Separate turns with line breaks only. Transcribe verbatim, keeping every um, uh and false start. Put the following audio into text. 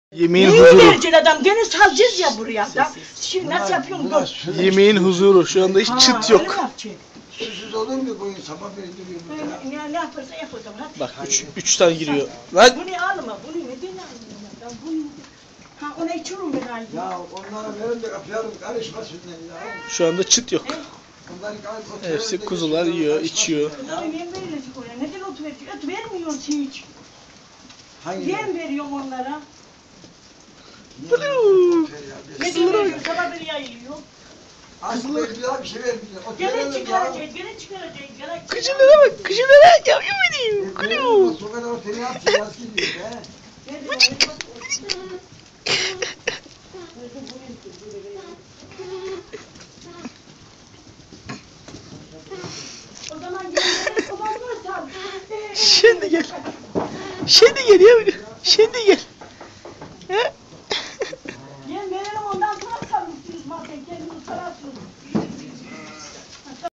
Yemeğin
Neyi
huzuru.
vereceksin adam? Gene salacağız ya buraya da. Şimdi nasıl yapıyorsun? Dur.
Yemeğin huzuru. Şu anda hiç
Ha,
çıt
öyle
yok.
mi yapacaksın?
Susuz olur mu koyun sabah verdiriyor burada?
Ya ne yaparsa yap o zaman. Hadi.
Bak üç, üç tane giriyor. Lan
Bunu alma. Bunu neden almıyorsun? Ben bunu... Ha ona içiyorum ben ayı.
Ya onlara verin de kapayalım karışmasınlar ya.
şu anda çıt yok.
Onları gayet
Hepsi kuzular yiyor, içiyor.
Bunları yem verilecek oraya. Neden ot veriyorsun? Ot vermiyorsun hiç.
Hangi?
Yem veriyorum onlara.
Bluu.
Neden veriyorsun? Sabah beri yayılıyor.
Aslında bir şey vermiyor. O
Gene
verelim
çıkaracağız.
ya.
Gene çıkaracağız. Gene
Kuzulara bak, kuzulara. Yavrum benim.
E,
Kuzu.
verelim, sokak ortaya yapsın, nasıl gidiyor be?
O zaman gel. O zaman varsa.
Şimdi gel. Şimdi gel yavrum. Şimdi gel.